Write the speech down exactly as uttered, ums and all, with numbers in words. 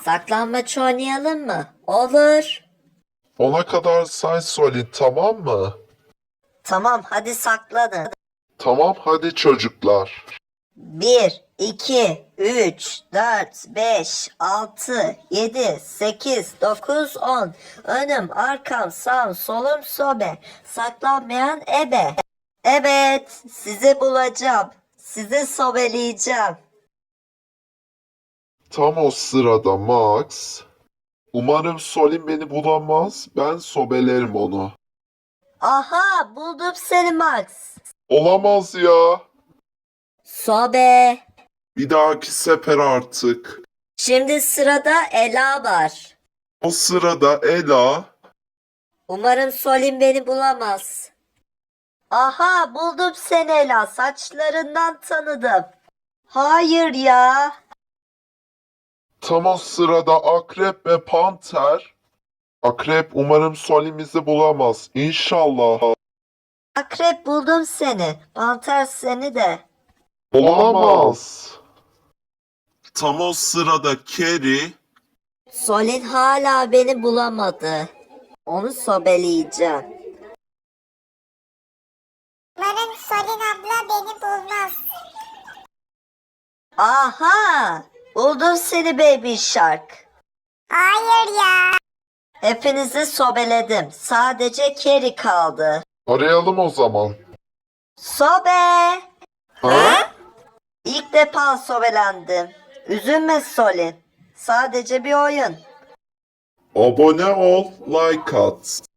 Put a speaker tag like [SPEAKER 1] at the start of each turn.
[SPEAKER 1] Saklambaç oynayalım mı? Olur.
[SPEAKER 2] Ona kadar say Solin, tamam mı?
[SPEAKER 1] Tamam, hadi saklanın.
[SPEAKER 2] Tamam hadi çocuklar.
[SPEAKER 1] Bir, iki, üç, dört, beş, altı, yedi, sekiz, dokuz, on. Önüm, arkam, sağım, solum, sobe. Saklanmayan ebe. Evet, sizi bulacağım. Sizi sobeleyeceğim.
[SPEAKER 2] Tam o sırada Max. Umarım Solin beni bulamaz. Ben sobelerim onu.
[SPEAKER 1] Aha, buldum seni Max.
[SPEAKER 2] Olamaz ya.
[SPEAKER 1] Sobe.
[SPEAKER 2] Bir dahaki sefer artık.
[SPEAKER 1] Şimdi sırada Ela var.
[SPEAKER 2] O sırada Ela.
[SPEAKER 1] Umarım Solim beni bulamaz. Aha, buldum seni Ela. Saçlarından tanıdım. Hayır ya.
[SPEAKER 2] Tam o sırada Akrep ve Panter. Akrep umarım Solin bizi bulamaz. İnşallah.
[SPEAKER 1] Akrep buldum seni. Panter seni de.
[SPEAKER 2] Olamaz. Tam o sırada Keri.
[SPEAKER 1] Solin hala beni bulamadı. Onu sobeleyeceğim.
[SPEAKER 3] Umarım Solin abla beni bulmaz.
[SPEAKER 1] Aha! Buldum seni Baby Shark.
[SPEAKER 3] Hayır ya.
[SPEAKER 1] Hepinizi sobeledim. Sadece Keri kaldı.
[SPEAKER 2] Arayalım o zaman.
[SPEAKER 1] Sobe!
[SPEAKER 2] Ha?
[SPEAKER 1] İlk defa sobelendim. Üzülme Solin. Sadece bir oyun.
[SPEAKER 2] Abone ol, like at.